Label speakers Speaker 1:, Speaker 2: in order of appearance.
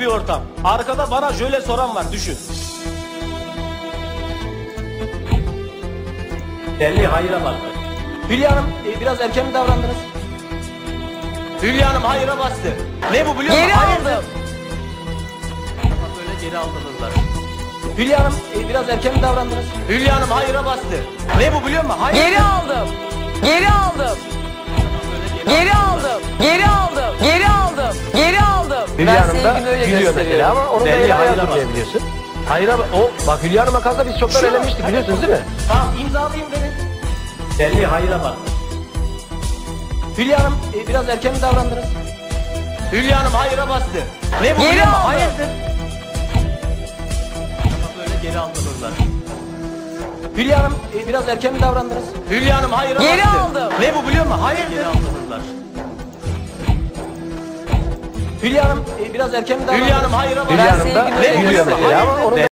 Speaker 1: bir ortam. Arkada bana şöyle soran var, düşün. Belli hayra baktı. Hülya Hanım biraz erken mi davrandınız? Hülya Hanım hayra bastı. Ne bu biliyor musun?
Speaker 2: Geri aldım.
Speaker 1: Böyle geri aldırırlar. Hülya Hanım biraz erken mi davrandınız? Hülya Hanım hayra bastı. Ne bu biliyor musun? Hayır.
Speaker 2: Geri aldım. Geri aldım. Geri aldım. Geri aldım. Geri aldım. Geri aldım.
Speaker 3: Hülya Hanım da
Speaker 2: sevgimi öyle
Speaker 3: gülüyor mesela
Speaker 2: gösteriyorum.
Speaker 3: ama onun da
Speaker 1: Belli
Speaker 3: eli
Speaker 1: hayra
Speaker 3: ayağı
Speaker 1: bastı.
Speaker 3: biliyorsun. Hayra bak Hülya Hanım'a kalsa biz çoktan elenmiştik biliyorsunuz değil mi?
Speaker 1: Tamam, imzalayayım beni. Belli hayra bak. Hülya Hanım biraz erken mi davrandınız? Hülya Hanım hayra bastı. Ne bu
Speaker 2: Geri
Speaker 1: biliyor musun?
Speaker 2: aldım.
Speaker 1: Hayırdır? Böyle geri aldırırlar. Hülya Hanım biraz erken mi davrandınız? Hülya Hanım hayra
Speaker 2: Geri
Speaker 1: bastı.
Speaker 2: aldım.
Speaker 1: Ne bu biliyor musun? Hayırdır? Geri aldırırlar. Hülya Hanım biraz erken mi davrandınız? Hülya Hanım hayra bastı.
Speaker 3: Hülya Hanım da
Speaker 2: sevgimi öyle
Speaker 3: gülüyor
Speaker 2: gösteriyorum.
Speaker 3: mesela ama onun da